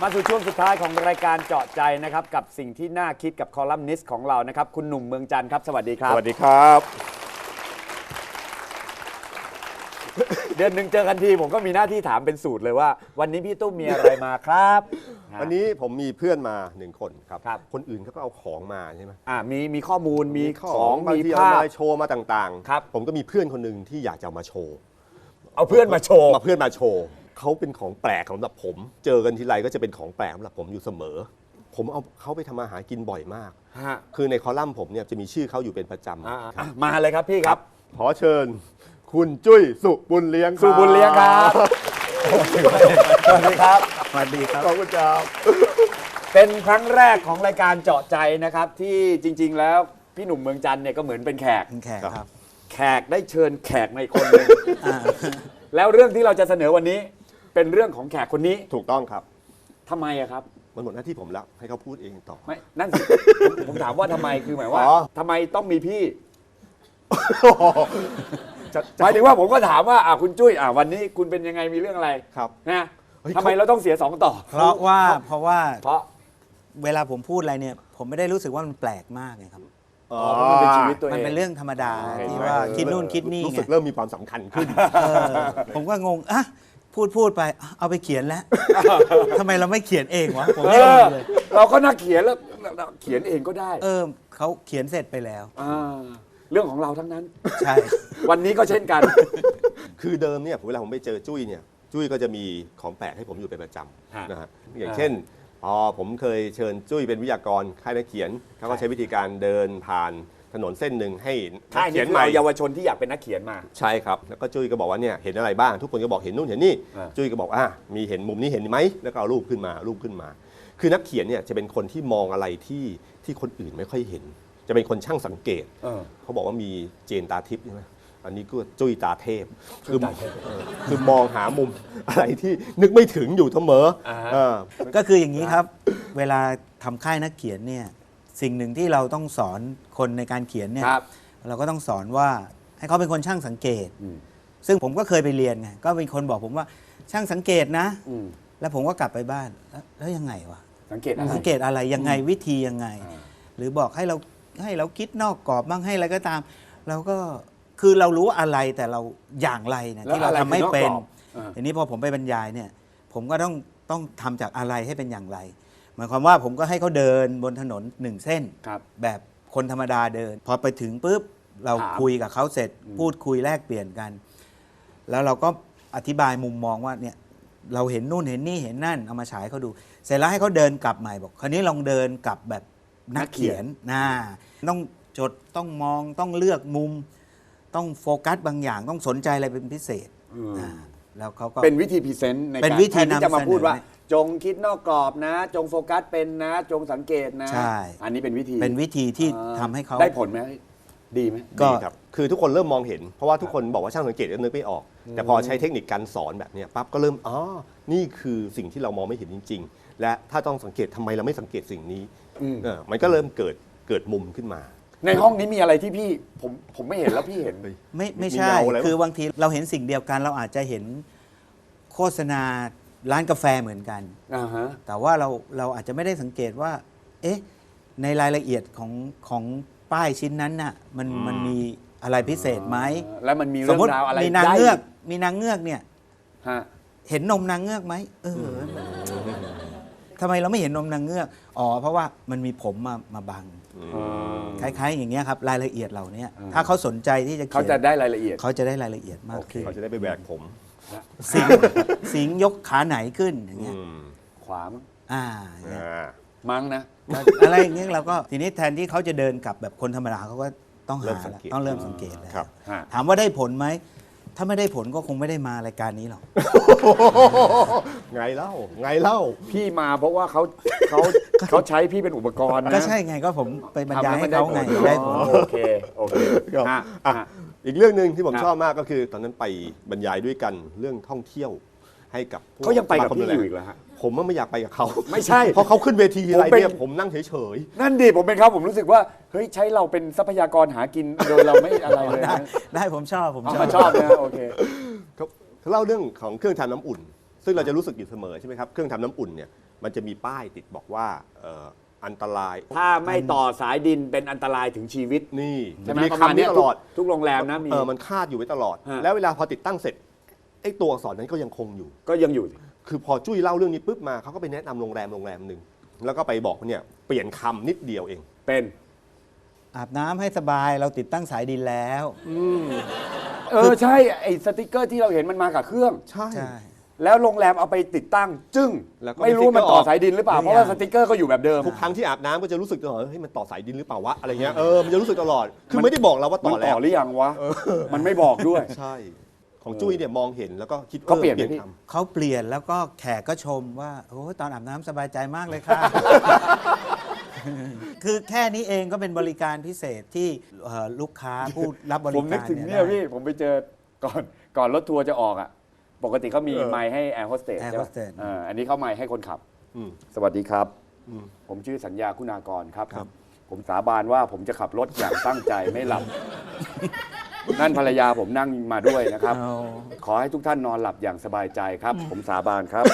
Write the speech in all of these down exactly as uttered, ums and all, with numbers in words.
มาสู่ช่วงสุดท้ายของรายการเจาะใจนะครับกับสิ่งที่น่าคิดกับคอลัมนิสต์ของเรานะครับคุณหนุ่มเมืองจันทร์ครับสวัสดีครับสวัสดีครับเดือนหนึ่งเจอกันทีผมก็มีหน้าที่ถามเป็นสูตรเลยว่า วันนี้พี่ตุ้มมีอะไรมาครับวันนี้ผมมีเพื่อนมาหนึ่งคนครับครับคนอื่นเขาก็เอาของมาใช่ไหมอ่ามีมีข้อมูลมีขขออง งบางมีทีเอาภาพมาโชว์มาต่างครับผมก็มีเพื่อนคนหนึ่งที่อยากจะเอามาโชว์เอาเพื่อนมาโชว์มาเพื่อนมาโชว์เขาเป็นของแปลกสำหรับผม เจอกันทีไรก็จะเป็นของแปลกสำหรับผมอยู่เสมอ ผมเอาเขาไปทำอาหารกินบ่อยมากฮะคือในคอลัมน์ผมเนี่ยจะมีชื่อเขาอยู่เป็นประจอ่าำอ่ะมาเลยครับพี่ครับขอเชิญ คุณจุ้ยสุบุญเลี้ยงสุบุญเลี้ยงครับสวัสดีครับสวัสดีครับขอบคุณครับเป็นครั้งแรกของรายการเจาะใจนะครับที่จริง ๆ แล้วพี่หนุ่มเมืองจันทร์เนี่ยก็เหมือนเป็นแขกเป็นแขกครับแขกได้เชิญแขกในคนหนึ่งแล้วเรื่องที่เราจะเสนอวันนี้เป็นเรื่องของแขกคนนี้ถูกต้องครับทำไมอะครับมันหมดหน้าที่ผมแล้วให้เขาพูดเองต่อไม่นั่นสิผมผมถามว่าทำไมคือหมายว่าอ๋อทำไมต้องมีพี่จะหมายถึงว่าผมก็ถามว่าอ่ะคุณจุ้ยอ่ะวันนี้คุณเป็นยังไงมีเรื่องอะไรครับนะเฮ้ยทำไมเราต้องเสียสองต่อเพราะว่าเพราะว่าเพราะเวลาผมพูดอะไรเนี่ย ผมไม่ได้รู้สึกว่ามันแปลกมากไงครับอ๋อเพราะมันเป็นชีวิตตัวเองมันเป็นเรื่องธรรมดาโอเคที่ว่าคิดนู่นคิดนี่รู้ไงสึกเริ่มมีความสำคัญขึ้นเออผมก็งงอ่ะพูดพูดไปอ่ะเอาไปเขียนแล้วทำไมเราไม่เขียนเองวะผมเอไม่รู้อเลยเราก็นักเขียนแล้วเขียนเองก็ได้เออเขาเขียนเสร็จไปแล้วาเรื่องของเราทั้งนั้นใช่วันนี้ก็เช่นกันคือเดิมเนี่ยเวลาผมไปเจอจุ้ยเนี่ยจุ้ยก็จะมีของแปลกให้ผมอยู่เป็นประจฮะำนะฮะอย่างเช่นพอผมเคยเชิญจุ้ยเป็นวิทยากรค่ายนักเขียนเขาก็ใช้วิธีการเดินผ่านถนนเส้นหนึ่งให้นัค่าก ยเขีนี้ยนคือใหม่เอาเยาวชนที่อยากเป็นนักเขียนมาใช่ครับแล้วก็จุ้ยก็บอกว่าเนี่ยเห็นอะไรบ้างทุกคนก็บอกเห็นนู่นเห็นนี่อ่าจุ้ยก็บอกอ่ะมีเห็นมุมนี้เห็นไหมแล้วก็เอารูปขึ้นมารูปขึ้นมา คือนักเขียนเนี่ยจะเป็นคนที่มองอะไรที่ที่คนอื่นไม่ค่อยเห็น จะเป็นคนช่างสังเกตเออเขาบอกว่ามีเจนตาทิพย์ใช่ไหมอันนี้ก็จุ้ยตาเทพ คือตาเทพเออคือมองหามุมอะไรที่นึกไม่ถึงอยู่เสมออ่าฮะเออก็คืออย่างนี้ครับ เวลาทำค่ายนักเขียนเนี่ยสิ่งหนึ่งที่เราต้องสอนคนในการเขียนเนี่ยครับเราก็ต้องสอนว่าให้เขาเป็นคนช่างสังเกตอืมซึ่งผมก็เคยไปเรียนไงก็เป็นคนบอกผมว่าช่างสังเกตนะอืมแล้วผมก็กลับไปบ้านแล้วแล้วยังไงวะสังเกตอะไรสังเกตอะไรยังไงวิธียังไงอ่าหรือบอกให้เราให้เราคิดนอกกรอบบ้างให้อะไรก็ตาม เราก็คือเรารู้อะไรแต่เราอย่างไรนะที่เราทำไม่เป็นอ่าทีนี้พอผมไปบรรยายเนี่ย ผมก็ต้องต้องทำจากอะไรให้เป็นอย่างไร หมายความว่าผมก็ให้เขาเดินบนถนนหนึ่งเส้นครับแบบคนธรรมดาเดิน พอไปถึงปุ๊บเราถามคุยกับเขาเสร็จ พูดคุยแลกเปลี่ยนกัน แล้วเราก็อธิบายมุมมองว่าเนี่ยเราเห็นนู่นเห็นนี่เห็นนั่นเอามาฉายเขาดู เสร็จแล้วให้เขาเดินกลับใหม่บอกคราวนี้ลองเดินกลับแบบนักเขียนนะต้องจดต้องมองต้องเลือกมุม ต้องโฟกัสบางอย่างต้องสนใจอะไรเป็นพิเศษอืมอ่าแล้วเขาก็เป็นวิธีพรีเซนต์ในเป็นการวิธีแทนที่จะมาำเสนอพูดว่าเนี่ยจงคิดนอกกรอบนะ จงโฟกัสเป็นนะ จงสังเกตนะใช่อันนี้เป็นวิธีเป็นวิธีที่อ่าทำให้เขาได้ผลไหมดีไหมก็ดีครับ คือทุกคนเริ่มมองเห็น เพราะว่าทุกคนบอกว่าช่างสังเกตก็นึกไม่ออก แต่พอใช้เทคนิคการสอนแบบเนี้ยปั๊บก็เริ่ม อ๋อ นี่คือสิ่งที่เรามองไม่เห็นจริง ๆ และถ้าต้องสังเกตทำไมเราไม่สังเกตสิ่งนี้อืมเออมันก็เริ่มเกิดเกิดมุมขึ้นมาในห้องนี้มีอะไรที่พี่ผมผมไม่เห็นแล้วพี่เห็นไม่ไม่มีใช่เงาอะไรวะคือบางทีเราเห็นสิ่งเดียวกัน เราอาจจะเห็นโฆษณาร้านกาแฟเหมือนกันอ่าฮะแต่ว่าเราเราอาจจะไม่ได้สังเกตว่า เอ๊ะ ในรายละเอียดของของป้ายชิ้นนั้นน่ะ มันมันมีอะไรพิเศษไหมแล้วมันมีสเรื่มองมติราวอะไรมีนางได้เงือก มีนางเงือกเนี่ยฮะเห็นนมนางเงือกไหมเออทำไมเราไม่เห็นนมนางเงือก อ๋อ เพราะว่ามันมีผมมามาบัง คล้ายๆ อย่างเงี้ยครับ รายละเอียดเหล่านี้อืมถ้าเขาสนใจที่จะเขาเขียนจะได้รายละเอียดเขาจะได้รายละเอียดมากขึ้นเขาจะได้ไปแบกผมสิงสิงยกขาไหนขึ้นอย่างเงี้ยอืมขวามั้งอ่าอย่างเงี้ยอ่ามั้งนะอะไรอย่างเงี้ยเราก็ทีนี้แทนที่เขาจะเดินกลับแบบคนธรรมดาเขาก็ต้องเริ่หามสังแล้วเกตต้องเริ่มสังเกตแล้วครับฮะถามว่าได้ผลไหม ถ้าไม่ได้ผลก็คงไม่ได้มารายการนี้หรอกไงเล่า ไงเล่าพี่มาเพราะว่าเขาเขาเขาใช้พี่เป็นอุปกรณ์นะก็ใช่ไงก็ผมไปบรรยายให้ทำแล้วเขามันไงได้ได้ผผลลโอเคโอเคครับฮะอ่ะฮะอีกเรื่องหนึ่งที่ผมครับชอบมากก็คือ ตอนนั้นไปบรรยายด้วยกันเรื่องท่องเที่ยวให้กับพวเขายังไปกับสมคมพี่ดูแลอยู่อีกเหรอฮะผมว่าไม่อยากไปกับเขาไม่ใช่เพราะเขาขึ้นเวทีทีไรผมเป็นเนี่ยผมนั่งเฉยนั่นดิผมเป็นเขาผมรู้สึกว่าเฮ้ยใช้เราเป็นทรัพยากรหากินโดยเราไม่อะไรเลยได้นะได้ผมชอบผมเอาชอมาบชอบนะโอเคๆเขาเขาเล่าเรื่องของเครื่องทำน้ำอุ่นซึ่งเราจะรู้สึกอยู่เสมอใช่ไหมครับเครื่องทำน้ำอุ่นเนี่ยมันจะมีป้ายติดบอกว่าเอ่ออันตรายถ้าไม่ต่อสายดินเป็นอันตรายถึงชีวิตนี่ใช่ไหมมีประมาณคำนี้นี้ตลอดทุกโรงแรมนะมีเออมันคาดอยู่ไว้ตลอดฮะแล้วเวลาพอติดตั้งเสร็จไอ้ตัวอักษรนั้นก็ยังคงอยู่ก็ยังอยู่คือพอจุ้ยเล่าเรื่องนี้ปุ๊บมาเขาก็ไปแนะนำโรงแรมโรงแรมหนึ่งแล้วก็ไปบอกว่าเนี่ยเปลี่ยนคำนิดเดียวเองเป็นอาบน้ำให้สบายเราติดตั้งสายดินแล้วเออใช่ไอ้สติกเกอร์ที่เราเห็นมันมากับเครื่องใช่ใช่แล้วโรงแรมเอาไปติดตั้งจึ้งแล้วก็ไม่รู้มันต่อสายดินหรือเปล่าไม่เพราะว่ายังสติกเกอร์ก็อยู่แบบเดิมทุกครั้งที่อาบน้ำก็จะรู้สึกตลอดเฮ้ยมันต่อสายดินหรือเปล่าวะอะไรเงี้ยเออมันจะรู้สึกตลอดคือไม่ได้บอกเราว่ามันต่อแล้ต่วอหรือยังวะมันไม่บอกด้วยใช่ของจุ้ยเนี่ยมองเห็นแล้วก็คิดก็เปลี่ยนออไหมพี่คเขาเปลี่ยนแล้วก็แขกก็ชมว่าโอ้ยตอนอาบน้ำสบายใจมากเลยค่ะ คือแค่นี้เองก็เป็นบริการพิเศษที่เอ่อลูกค้าผู้รับบริผการมนึกถึงเนี่ยได้พี่ผมไปเจอก่อนก่อนรถทัวร์จะออกอ่ะปกติเขามีเออไมค์ให้แอร์โฮสเตส Air ใช่ไหม hostess เอออันนี้เขาไมค์ให้คนขับอืมสวัสดีครับอืมผมชื่อสัญญาคุณากรครับครับผมสาบานว่าผมจะขับรถอย่างตั้งใจไม่หลับ นั่นภรรยาผมนั่งมาด้วยนะครับเอาขอให้ทุกท่านนอนหลับอย่างสบายใจครับ ผมสาบานครับ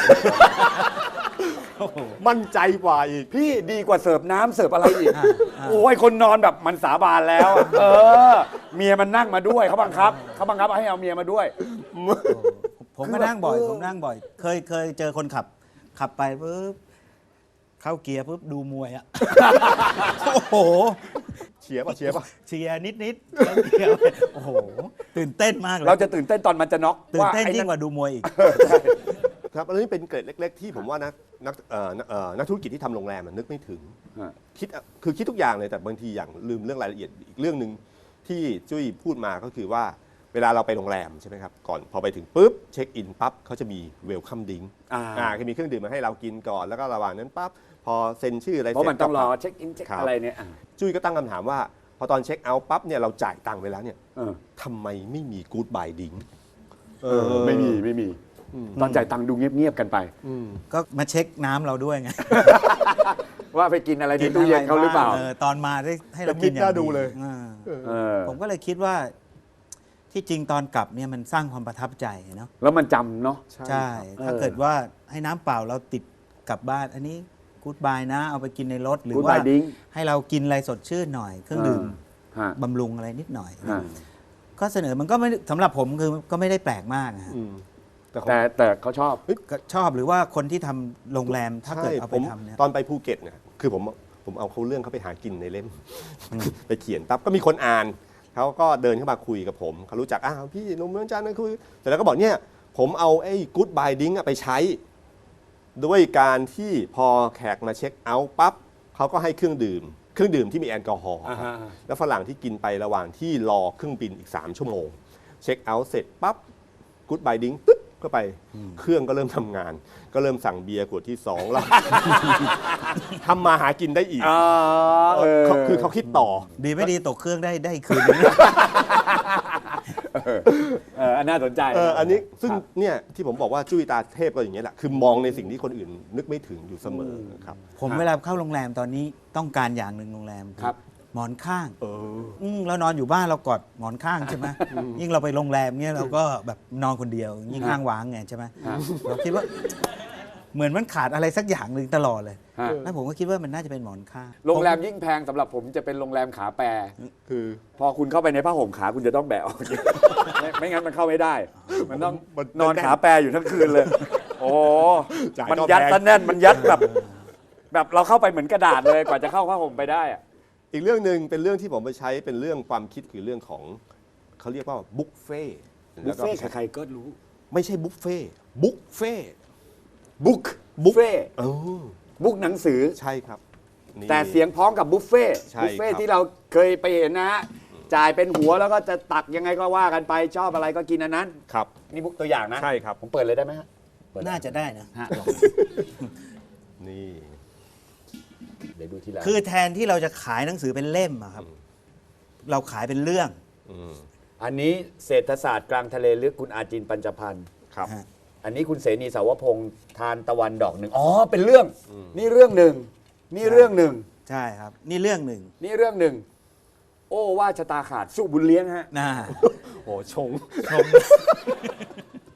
มั่นใจกว่าอีกพี่ดีกว่าเสิร์ฟน้ำเสิร์ฟอะไรอีกอ่าอ่าโอ้ยคนนอนแบบมันสาบานแล้วอะเออ เมียมันนั่งมาด้วยเขาบังคับเขาบังคับให้เอาเมียมาด้วยผมก็นั่งบ่อยคือแบบผมนั่งบ่อย เคยเคยเจอคนขับ ขับไปปุ๊บเข้าเกียร์ปุ๊บดูมวยอ่ะ โอ้โหเชียร์ป่ะเชียร์ป่ะเชียร์นิดนิดๆเข้าเกียร์ไปโอ้โห ตื่นเต้นมากเลยเราจะตื่นเต้นตอนมันจะน็อกตื่นว่าเต้นไอ้ยิ่นั่งนกว่าดูมวยอีกครับอันนี้เป็นเกร็ดเล็ก ๆ ที่ผมว่านักนักเอ่อนักเอ่อนักธุรกิจที่ทำโรงแรมอะนึกไม่ถึงฮะคิดอะคือคิดทุกอย่างเลยแต่บางทีอย่างลืมเรื่องรายละเอียดอีกเรื่องหนึ่งที่จุ้ยพูดมาก็คือว่าเวลาเราไปโรงแรมใช่ไหมครับก่อนพอไปถึงปุ๊บเช็คอินปั๊บเขาจะมีเวลคัมดิ้งอ่าอ่าคือมีเครื่องดื่มมาให้เรากินก่อนแล้วก็ระหว่างนั้นปั๊บพอเซ็นชื่ออะไรเพราะมันต้องรอก็เช็คอินเช็คครับอะไรเนี่ยอ่ะจุ้ยก็ตั้งคำถามว่า พอตอนเช็คเอาท์ปั๊บเนี่ยเราจ่ายตังค์ไปแล้วเนี่ยเออทำไมไม่มีกู๊ดบายดิ้งเออไม่มีไม่มี ตอนจ่ายตังค์ดูเงียบๆกันไปก็มาเช็คน้ำเราด้วยไงว่าไปกินอะไรในตู้เย็นเขาหรือเปล่าเออตอนมาได้ให้เราแต่กินคิดอย่างน่าดูเลยอ่าเออผมก็เลยคิดว่าที่จริงตอนกลับเนี่ยมันสร้างความประทับใจเนาะแล้วมันจำเนาะใช่เออถ้าเกิดว่าให้น้ำเปล่าเราติดกลับบ้าน อันนี้กู๊ดบายนะ เอาไปกินในรถหรือ Good ว่า bye drink ให้เรากินอะไรสดชื่นหน่อย เครื่องดื่มฮะบำรุงอะไรนิดหน่อยฮะก็เสนอมันก็ไม่สำหรับผมคือก็ไม่ได้แปลกมากอะฮะอืมแต่ของแต่แต่เขาชอบก็ชอบหรือว่าคนที่ทำโรงแรมถ้าเกิดใช่เอาผไปมทำเนี่ยตอนไปภูเก็ตเนี่ยคือผมผมเอาเขาเรื่องเขาไปหากินในเล่ม ไปเขียนปั๊บก็มีคนอ่านเขาก็เดินเข้ามาคุยกับผมเขารู้จักอ้าวพี่หนุ่มเมืองจันทร์นะคุยเสร็จแล้วก็บอกเนี่ยผมเอาไอ้กู๊ดบายดิ้งไปใช้ ด้วยการที่พอแขกมาเช็คเอาท์ปั๊บเขาก็ให้เครื่องดื่ม เครื่องดื่มที่มีแอลกอฮอล์อ่าฮะแล้วฝรั่งที่กินไประหว่างที่รอเครื่องบินอีก สาม ชั่วโมง เช็คเอาท์เสร็จปั๊บกู๊ดบายดิ้งตึ๊บเข้าไปเครื่องก็เริ่มทำงาน ก็เริ่มสั่งเบียร์ขวดที่สองแล้ว ทำมาหากินได้อีกอ๋อเออเขาคือเขาคิดต่อดีไม่ดีตกเครื่องได้ได้คืนนึงเอออันน่าสนใจเอออันนี้ซึ่งครับเนี่ยที่ผมบอกว่าจุ้ยตาเทพก็อย่างเงี้ยแหละคือมองในสิ่งที่คนอื่นนึกไม่ถึงอยู่เสมอครับผมครับเวลาเข้าโรงแรมตอนนี้ต้องการอย่างหนึ่งโรงแรมครับหมอนข้างเอออืมเรานอนอยู่บ้านเรากอดหมอนข้างใช่ไหมยิ่งเราไปโรงแรมเนี่ยเราก็แบบนอนคนเดียว ยิ่งข้างว้างไงใช่ไหมฮะเราคิดว่า เหมือนมันขาดอะไรสักอย่างหนึ่งตลอดเลยฮะแล้วผมก็คิดว่ามันน่าจะเป็นหมอนข้างโรงแรมยิ่งแพงสำหรับผมจะเป็นโรงแรมขาแปรคือพอคุณเข้าไปในผ้าห่มขาคุณจะต้องแบะออก ไม่ไม่งั้นมันเข้าไม่ได้ มันต้องมันนอนขาแปรอยู่ทั้งคืนเลย โอ้จ่ายมันก็ยัดแพงซะแน่นมันยัดแบบ แบบเราเข้าไปเหมือนกระดาษเลยกว่าจะเข้าผ้าห่มไปได้อะอีกเรื่องหนึ่งเป็นเรื่องที่ผมไปใช้เป็นเรื่องความคิดคือเรื่องของเขาเรียกว่าบุฟเฟ่ต์บุฟเฟ่ต์แล้วก็ใครๆก็รู้ไม่ใช่บุฟเฟ่ต์บุฟเฟ่ต์บุ๊กบุฟเฟ่ต์เออบุ๊กหนังสือใช่ครับนี่แต่เสียงพ้องกับบุฟเฟ่ต์ใช่บุฟเฟ่ต์ครับที่เราเคยไปเห็นนะฮะจ่ายเป็นหัวแล้วก็จะตักยังไงก็ว่ากันไปชอบอะไรก็กินอันนั้นครับนี่บุ๊กตัวอย่างนะใช่ครับผมเปิดเลยได้ไหมฮะเปิดน่าจะได้นะฮะนี่เดี๋ยวดูทีละคือแทนที่เราจะขายหนังสือเป็นเล่มอะครับ เราขายเป็นเรื่องอืมอันนี้เศรษฐศาสตร์กลางทะเลลึกคุณอาจินปัญจพันธ์ครับฮะอันนี้คุณเสนีสาวพงษ์ทานตะวันดอกหนึ่งอ๋อเป็นเรื่อง นี่เรื่องหนึ่งนี่เรื่องหนึ่งใช่ครับ นี่เรื่องหนึ่งนี่เรื่องหนึ่งโอ้ว่าชะตาขาดสู้บุญเลี้ยงฮะนะโอ้ชงชม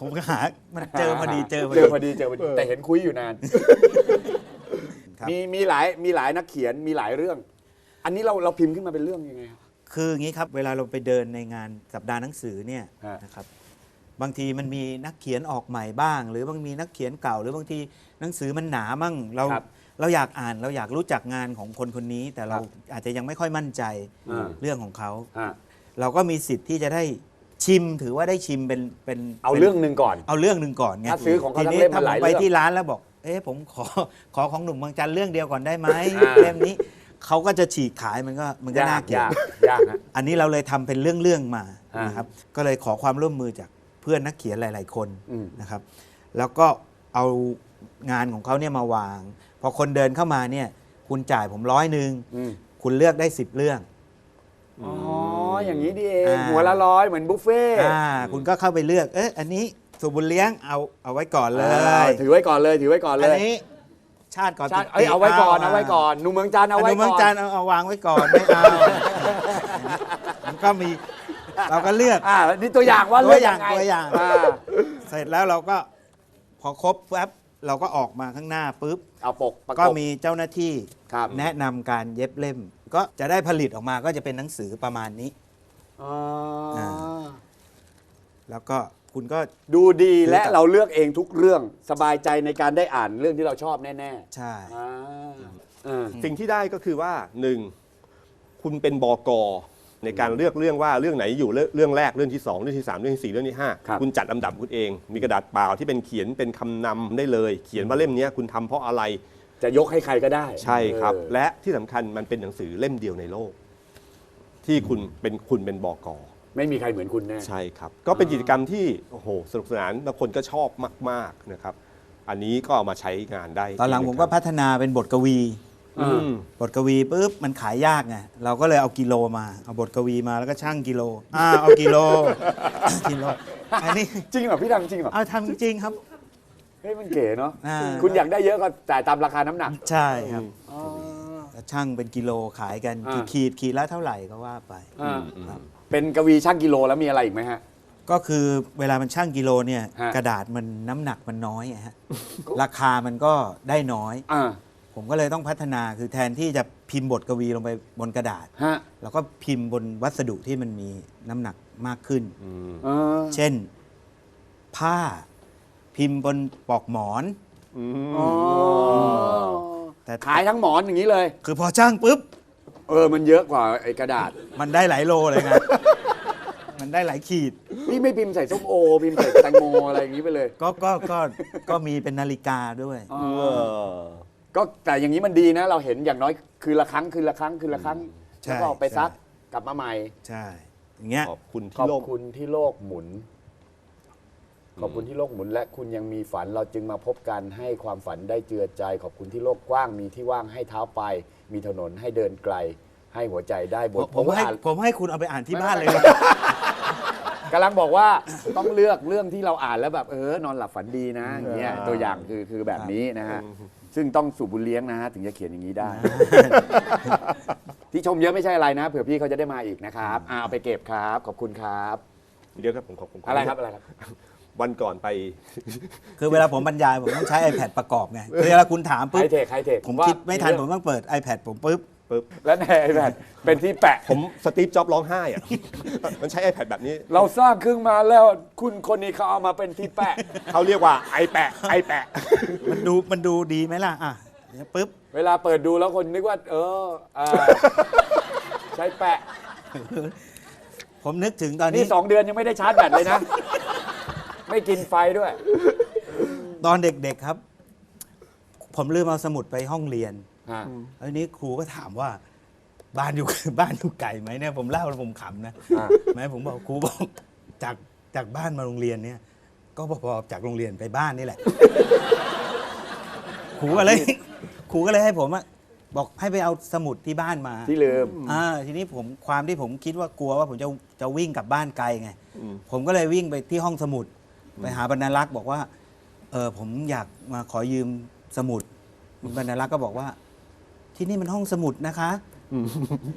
ผมก็หามันเจอพอดีเจอพอเจดีอพอดีเจอพอดีแต่เห็นคุยอยู่นานครับมีมีหลายมีหลายนักเขียนมีหลายเรื่อง อันนี้เราเราพิมพ์ขึ้นมาเป็นเรื่องยังไงครับคืออย่างนี้ครับเวลาเราไปเดินในงานสัปดาห์หนังสือเนี่ยฮะนะครับบางทีมันมีนักเขียนออกใหม่บ้าง หรือบางมีนักเขียนเก่า หรือบางทีหนังสือมันหนามั่งเราครับเราอยากอ่านเราอยากรู้จักงานของคนคนนี้ แต่เราครับอาจจะยังไม่ค่อยมั่นใจอ่าเรื่องของเขาอ่ะเราก็มีสิทธิ์ที่จะได้ชิมถือว่าได้ชิมเป็นเป็นเอาป็นเรื่องหนึ่งก่อนเอาเรื่องหนึ่งก่อนไงถ้าซื้อของเขาทีทั้งนี้เล่มถ้ามาผหลายมไปเรื่องที่ร้านแล้วบอก เอ๊ะผมขอขอของหนุ่มเมืองจันทร์เรื่องเดียวก่อนได้ไหมอ่าเล่มนี้เขาก็จะฉีกขายมันก็มันก็น่าเกลียดยากยากฮะอันนี้เราเลยทำเป็นเรื่องๆมาอ่านนะครับ ก็เลยขอความร่วมมือจากเพื่อนนักเขียนหลาย ๆ คนอืมนะครับ แล้วก็เอางานของเขาเนี่ยมาวาง พอคนเดินเข้ามาเนี่ย คุณจ่ายผมร้อยหนึ่งอืมคุณเลือกได้สิบเรื่องอ๋ออย่างนี้ดีเองอ่าหัวละร้อยเหมือนบุฟเฟ่ต์อ่าคุณก็เข้าไปเลือก เอ๊ะอันนี้สุบุญเลี้ยงเอาเอาไว้ก่อนเลอ่าย ถือไว้ก่อนเลยถือไว้ก่อนเลอันยนี้ชาติก่อนชาติติเอ้ยเอาไว้ก่อนเอาไว้ก่อนหนุ่มเมืองจันทร์เอาเอาไว้ไว้เมืก่องอนจันทร์เอาเอาวางไว้ก่อนไม่เอามันก็มีเราก็เลือกอ่านี่ตัวอย่างว่าตัวเลือกอย่างไงตัวอย่างอ่าเสร็จแล้วเราก็พอครบแป๊บเราก็ออกมาข้างหน้าปุ๊บเอาปกประกก็บมีเจ้าหน้าที่ครับแนะนำการเย็บเล่ม ก็จะได้ผลิตออกมาก็จะเป็นหนังสือประมาณนี้อ๋ออาแล้วก็คุณก็ดูดีและคือเราเลือกเองทุกเรื่องสบายใจในการได้อ่านเรื่องที่เราชอบแน่ใช่ๆอ่าอ่าสิ่งที่ได้ก็คือว่าหนึ่งคุณเป็นบกในการเลือกเรื่องว่าเรื่องไหนอยู่เรื่องเรื่องแรกเรื่องที่สองเรื่องที่สามเรื่องที่สี่เรื่องที่ห้าครับคุณจัดลำดับคุณเอง มีกระดาษเปล่าที่เป็นเขียนเป็นคำนำได้เลย เขียนว่าเล่มเนี้ยคุณทำเพราะอะไรจะยกให้ใครก็ได้ใช่ครับเออและที่สำคัญมันเป็นหนังสือเล่มเดียวในโลก ที่คุณเป็นคุณเป็นบกไม่มีใครเหมือนคุณแน่ใช่ครับ ก็เป็นกิจกรรมที่โอ้โหสนุกสนานแล้วคนก็ชอบมากๆนะครับ อันนี้ก็เอามาใช้งานได้ตอนหลังผมก็พัฒนาเป็นบทกวีอืมบทกวีปุ๊บมันขายยากไงเราก็เลยเอากิโลมาเอาบทกวีมาแล้วก็ช่างกิโลอ่าเอากิโล กิโลอันนี้จริงเหรอพี่ดังจริงเหรอเอาทำจริงๆครับเฮ้ยมันเก๋เนาะอ่าคุณอยากได้เยอะก็จ่ายตามราคาน้ำหนักใช่ครับอ๋อแล้วช่างเป็นกิโลขายกันอ่ากี่ขีดขีดละเท่าไหร่ก็ว่าไปอ่าครับเป็นกวีช่างกิโลแล้วมีอะไรอีกไหมฮะก็คือเวลามันช่างกิโลเนี่ยฮะกระดาษมันน้ำหนักมันน้อยอะฮะราคามันก็ได้น้อยอ่าผมก็เลยต้องพัฒนาคือแทนที่จะพิมพ์บทกวีลงไปบนกระดาษฮะเราก็พิมพ์บนวัสดุที่มันมีน้ำหนักมากขึ้นเออเช่น ผ้าพิมพ์บนปลอกหมอนอ๋อแต่ขายทั้งหมอนอย่างนี้เลยคือพอช่างปุ๊บเออมันเยอะกว่าไอ้กระดาษมันได้หลายโลเลยไง มันได้หลายขีดพี่ไม่พิมพ์ใส่ส้มโอ พิมพ์ใส่แตงโมอะไรอย่างนี้ไปเลยก็ก็ก็ก็มีเป็นนาฬิกาด้วยอ๋อเออก็แต่อย่างนี้มันดีนะ เราเห็นอย่างน้อยคืนละครั้งคืนละครั้งคืนละครั้งใช่แล้วก็เอาไปซักใช่กลับมาใหม่ใช่ อย่างเงี้ยขอบคุณขที่อบโลกคุณที่โลกหมุน ขอบคุณที่โลกหมุน และคุณยังมีฝันเราจึงมาพบกันให้ความฝันได้เจือใจ ขอบคุณที่โลกกว้างมีที่ว่างให้เท้าไป มีถนนให้เดินไกล ให้หัวใจได้บผมทผมให้อ่านผมให้คุณเอาไปอ่านที่บ้านเลยนะกำลังบอกว่าต้องเลือกเรื่องที่เราอ่านแล้วแบบเออนอนหลับฝันดีนะอย่างเงี้ยตัวอย่างคือคือแบบนี้นะฮะซึ่งต้องสูบบุญเลี้ยงนะฮะถึงจะเขียนอย่างนี้ได้ ที่ชมเยอะไม่ใช่อะไรนะเผื่อพี่เขาจะได้มาอีกนะครับอ่าเอาไปเก็บครับ ขอบคุณครับเดี๋ยวครับผมขอบคุณอะไรครับอะไรครับวันก่อนไปคือเวลาผมบรรยายผมต้องใช้ iPad ประกอบไงคือเวลาคุณถามไฮปุ๊บเทคไฮเทคผมคิดไม่ทันผมต้องเปิด iPad ผมปุ๊บปุ๊บและในไอแพดเป็นที่แปะผมสตีฟจ็อบส์ร้องไห้อะ มันใช้ iPad แบบนี้เราสร้างขึ้นมาแล้วคุณคนนี้เขาเอามาเป็นที่แปะเขาเรียกว่าไอแปะไอแปะมันดูมันดูดีไหมล่ะอ่ะเนี่ยปุ๊บเวลาเปิดดูแล้วคนนึกว่า เอออ่าใช้แปะผมนึกถึงตอนนี่นี้สองเดือนยังไม่ได้ชาร์จแบตเลยนะ ไม่กินไฟด้วยตอนเด็กๆครับ ผมลืมเอาสมุดไปห้องเรียนอ่าแล้วทีนี้ครูก็ถามว่า บ้านอยู่ บ้านอยู่ไกลไหมเนี่ยผมเล่าแล้วผมขำนะอ่าแม้ผมบอกครูบอกจากจากบ้านมาโรงเรียนเนี่ย ก็พอๆจากโรงเรียนไปบ้านนี่แหละ ครูก็เลยครูก็เลยให้ผมอะบอกให้ไปเอาสมุดที่บ้านมาที่ลืมอ่าทีนี้ผมความที่ผมคิดว่ากลัวว่าผมจะจะวิ่งกลับบ้านไกลไงอืมผมก็เลยวิ่งไปที่ห้องสมุด ไปหาบรรณารักษ์บอกว่าเออผมอยากมาขอยืมสมุดบรรณารักษ์ก็บอกว่า ที่นี่มันห้องสมุดนะคะ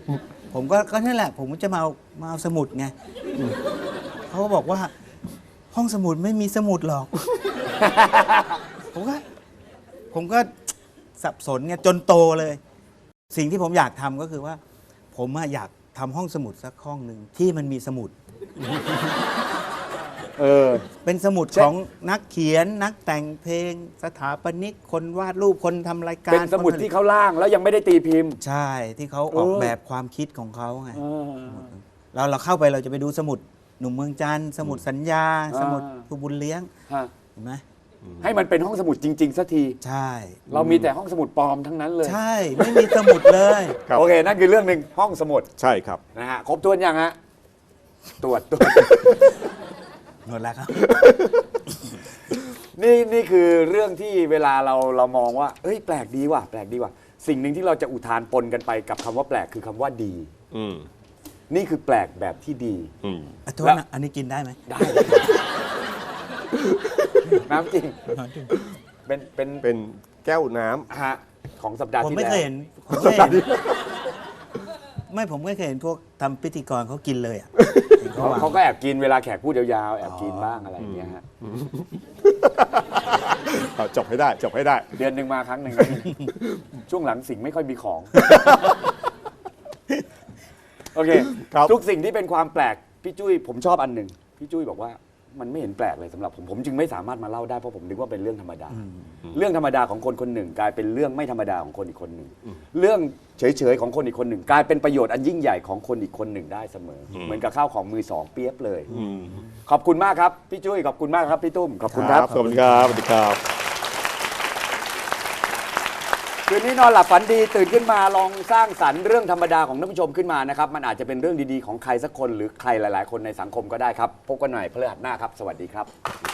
ผมก็ก็นั่นแหละ ผมจะมาเอามาเอาสมุดไงเขาก็บอกว่าห้องสมุดไม่มีสมุดหรอก ผมก็ผมก็สับสนไงจนโตเลย สิ่งที่ผมอยากทำก็คือว่า ผมอะอยากทำห้องสมุดสักห้องหนึ่งที่มันมีสมุดเออเป็นสมุดใช่ของนักเขียนนักแต่งเพลง สถาปนิกคนวาดรูปคนทำรายการเป็นสมุดคนผลิตที่เขาล่างแล้วยังไม่ได้ตีพิมพ์ใช่ที่เขาออกเออแบบความคิดของเขาไงเออเราเราเข้าไปเราจะไปดูสมุดหนุ่มเมืองจันทร์สมุดสัญญาอ่าสมุดผู้บุญเลี้ยงฮะเห็นไหมให้มันเป็นห้องสมุดจริงๆสักทีใช่เรามีแต่ห้องสมุดปลอมทั้งนั้นเลยใช่ไม่มีสมุดเลยครับโอเค นั่นคือเรื่องหนึ่งห้องสมุดใช่ครับนะฮะครบถ้วนยังฮะตรวจตรวจหมดแล้วครับนี่นี่คือเรื่องที่เวลาเราเรามองว่าเอ้ยแปลกดีว่ะแปลกดีว่ะสิ่งหนึ่งที่เราจะอุทานปนกันไปกับคำว่าแปลกคือคำว่าดีอืมนี่คือแปลกแบบที่ดีอืมอ่ะโทษแล้วนะอันนี้กินได้ไหมได้ น้ำจริงเป็นเป็นเป็นแก้วน้ำฮะของสัปดาห์ผมที่ไม่แล้วเคยเห็นผมไม่เคยเห็นไม่ผมไม่เคยเห็นพวกทำพิธีกรเขากินเลยอ่ะเห็นเขาวางเขาก็แอบกินเวลาแขกพูดยาวๆแอบกินบ้างอะไรอย่างเงี้ยฮะเอาจบให้ได้จบให้ได้เดือนหนึ่งมาครั้งหนึ่ง ช่วงหลังสิ่งไม่ค่อยมีของ โอเคครับทุกสิ่งที่เป็นความแปลกพี่จุ้ยผมชอบอันหนึ่งพี่จุ้ยบอกว่ามันไม่เห็นแปลกเลยสำหรับผมผมจึงไม่สามารถมาเล่าได้เพราะผมนึกว่าเป็นเรื่องธรรมดา เรื่องธรรมดาของคนคนหนึ่ง กลายเป็นเรื่องไม่ธรรมดาของคนอีกคนหนึ่ง เรื่องเฉยๆของคนอีกคนหนึ่ง กลายเป็นประโยชน์อันยิ่งใหญ่ของคนอีกคนหนึ่งได้เสมอ เหมือนกับข้าวของมือสองเปียบเลยอืมขอบคุณมากครับพี่จุ้ยขอบคุณมากครับพี่ตุ้มขอบคุณครับขอบคุณครับสวัสดีครับคืนนี้นอนหลับฝันดีตื่นขึ้นมาลองสร้างสรรค์เรื่องธรรมดาของท่านผู้ชมขึ้นมานะครับมันอาจจะเป็นเรื่องดีๆของใครสักคนหรือใครหลายๆ คนในสังคมก็ได้ครับพบกันใหม่พฤหัสหน้าครับสวัสดีครับ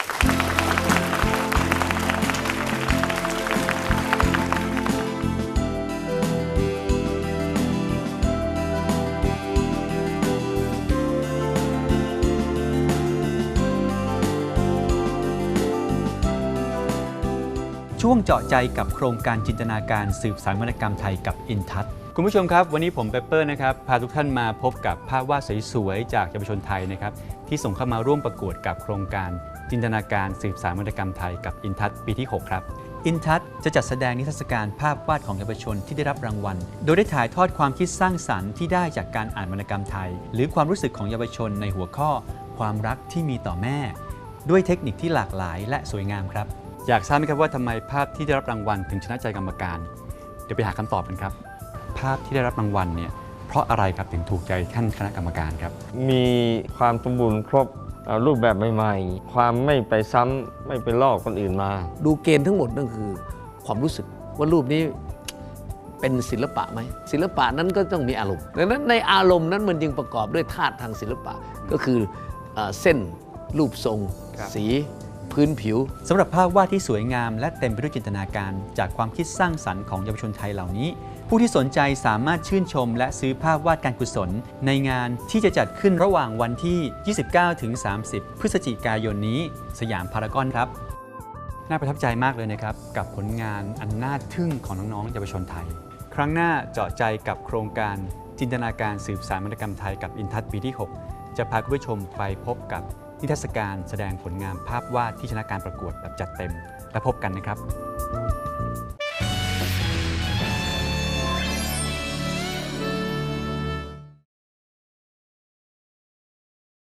ช่วงเจาะใจกับโครงการจินตนาการสืบสานวรรณกรรมไทยกับอินทัศน์คุณผู้ชมครับวันนี้ผมเปเปอร์นะครับพาทุกท่านมาพบกับภาพวาดสวยๆจากเยาวชนไทยนะครับที่ส่งเข้ามาร่วมประกวดกับโครงการจินตนาการสืบสานวรรณกรรมไทยกับอินทัศน์ปีที่หกครับอินทัศน์จะจัดแสดงนิทรรศการภาพวาดของเยาวชนที่ได้รับรางวัลโดยได้ถ่ายทอดความคิดสร้างสรรค์ที่ได้จากการอ่านวรรณกรรมไทยหรือความรู้สึกของเยาวชนในหัวข้อความรักที่มีต่อแม่ด้วยเทคนิคที่หลากหลายและสวยงามครับอยากทราบไหมครับว่าทำไมภาพที่ได้รับรางวัลถึงชนะใจกรรมการเดี๋ยวไปหาคำตอบกันครับภาพที่ได้รับรางวัลเนี่ยเพราะอะไรครับถึงถูกใจท่านคณะกรรมการครับมีความสมบูรณ์ครบเอ่อรูปแบบใหม่ๆ ความไม่ไปซ้ำไม่ไปลอกคนอื่นมาดูเกณฑ์ทั้งหมดนั่นคือความรู้สึกว่ารูปนี้เป็นศิลปะไหมศิลปะนั้นก็ต้องมีอารมณ์ดังนั้นในอารมณ์นั้นมันจึงประกอบด้วยธาตุทางศิลปะก็คือเอ่อเส้นรูปทรง สีพื้นผิวสำหรับภาพวาดที่สวยงามและเต็มไปด้วยจินตนาการจากความคิดสร้างสรรค์ของเยาวชนไทยเหล่านี้ ผู้ที่สนใจสามารถชื่นชมและซื้อภาพวาดการกุศลในงานที่จะจัดขึ้นระหว่างวันที่ ยี่สิบเก้าถึงสามสิบ พฤศจิกายนนี้สยามพารากอนครับ น่าประทับใจมากเลยนะครับกับผลงานอันน่าทึ่งของน้องๆเยาวชนไทย ครั้งหน้าเจาะใจกับโครงการจินตนาการสืบสานวรรณกรรมไทยกับอินทัศน์ปีที่หกจะพาคุณผู้ชมไปพบกับนิทรรศการแสดงผลงานภาพวาดที่ชนะการประกวดแบบจัดเต็มและพบกันนะครับ